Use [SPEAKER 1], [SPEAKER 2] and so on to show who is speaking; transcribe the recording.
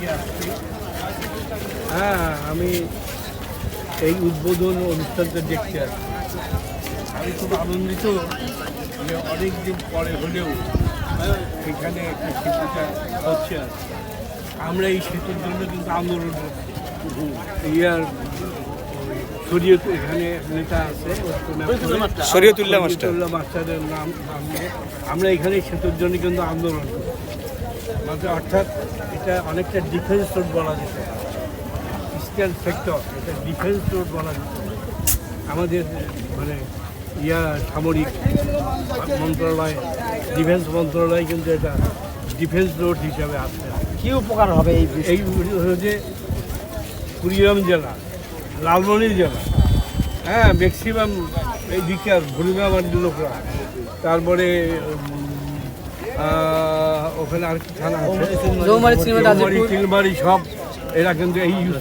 [SPEAKER 1] হ্যাঁ, আমি এই উদ্বোধন অনুষ্ঠানটা দেখতে আসছি। আমি খুব আনন্দিত যে অনেক দিন পরে হলেও এখানে একটা সেতুটা হচ্ছে। আমরা এই সেতুর জন্য কিন্তু আন্দোলন করছি। ইয়ার শরীয়ত এখানে নেতা আছে
[SPEAKER 2] শরীয়তুল্লাহ
[SPEAKER 1] মাস্টারের নাম নিয়ে আমরা এখানে সেতুর জন্য কিন্তু আন্দোলন করছি। অর্থাৎ এটা অনেকটা ডিফেন্স রোড বলা যেতে পারে, ইস্টার্ন সেক্টর, এটা ডিফেন্স রোড বলা যেতে পারে। আমাদের মানে সামরিক মন্ত্রণালয়, ডিফেন্স মন্ত্রণালয় কিন্তু এটা ডিফেন্স রোড হিসাবে আসছে।
[SPEAKER 2] কি উপকার হবে এই
[SPEAKER 1] হচ্ছে কুড়িগ্রাম জেলা, লালমনি জেলা, হ্যাঁ, ম্যাক্সিমাম এই দিকে ভুলগামার লোকরা, তারপরে ওখানে আর কি থানা আছে, চিলমারি সব এরা কিন্তু এই